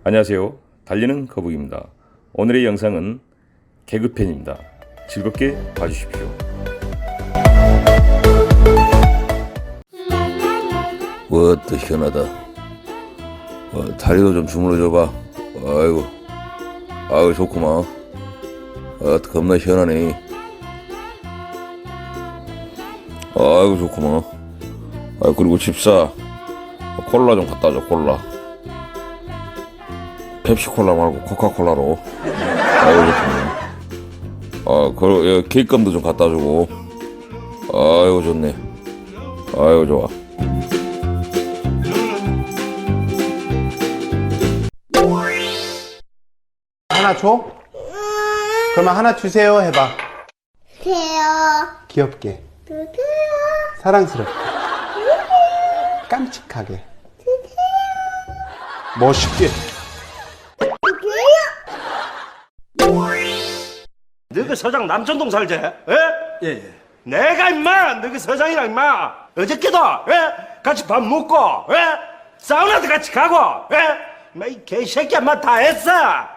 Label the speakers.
Speaker 1: 안녕하세요. 달리는 거북입니다. 오늘의 영상은 개그편입니다. 즐겁게 봐주십시오.
Speaker 2: 워또 시원하다. 다리도 좀 주물러줘봐. 아이고 좋구만. 겁나 시원하네. 아이고 좋구만. 그리고 집사 콜라 좀 갖다 줘. 콜라 펩시콜라 말고 코카콜라로. 아이고 좋구만. 그리고 케이크감도 좀 갖다 주고. 아이고 좋네. 아이고 좋아.
Speaker 3: 하나 줘? 그러면 하나 주세요 해봐.
Speaker 4: 주세요.
Speaker 3: 귀엽게,
Speaker 4: 주세요.
Speaker 3: 사랑스럽게, 깜찍하게, 멋있게.
Speaker 5: 너그 서장 남천동 살지? 예?
Speaker 3: 예.
Speaker 5: 내가 임마 너그 서장이랑 임마 어저께도 같이 밥 먹고 사우나도 같이 가고 임마 이 개새끼야 임마 다 했어.